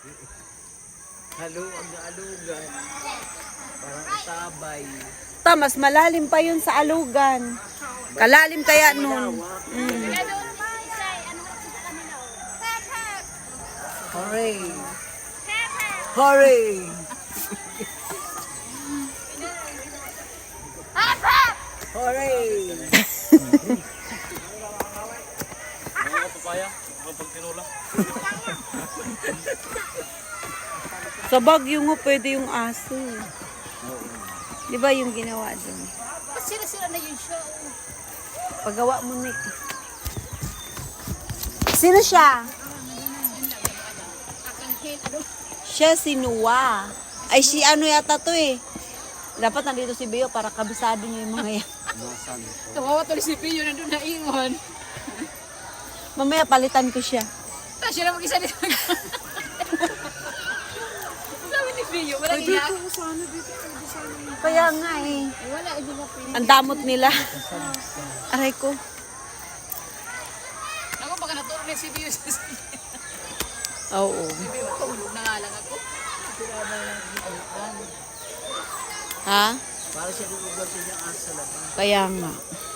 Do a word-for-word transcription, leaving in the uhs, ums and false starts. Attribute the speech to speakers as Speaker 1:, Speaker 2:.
Speaker 1: Haluag na alugan. Parang tabay.
Speaker 2: Ta, mas malalim pa yun sa alugan. Kalalim kaya nun. Mm.
Speaker 1: Hooray! Hooray! Hooray!
Speaker 3: Mga papaya, kapag tinula.
Speaker 2: Sa Baguio nga pwede yung aso. Di ba yung ginawa doon?
Speaker 4: Sira-sira na yung show.
Speaker 2: Pagawa mo, Nick. Sino siya? Siya si Noah. Ay, si ano yata to eh. Dapat nandito si Beo para kabisado niyo yung mga yan.
Speaker 4: Kawawa tuloy si Pio na doon na ingon.
Speaker 2: Mamaya palitan ko siya.
Speaker 4: Tapos siya na mag-isa dito. Sabi ni Pio, walang iyak.
Speaker 2: Kaya nga eh.
Speaker 4: Wala, hindi nga Pio.
Speaker 2: Ang damot nila. Aray ko.
Speaker 4: Ako baka naturo na si Pio sa sige.
Speaker 2: Oo.
Speaker 4: Pio, matulog na nga lang ako.
Speaker 2: Ha?
Speaker 1: Para siya lugar siya ang sa labas.
Speaker 2: Kaya nga.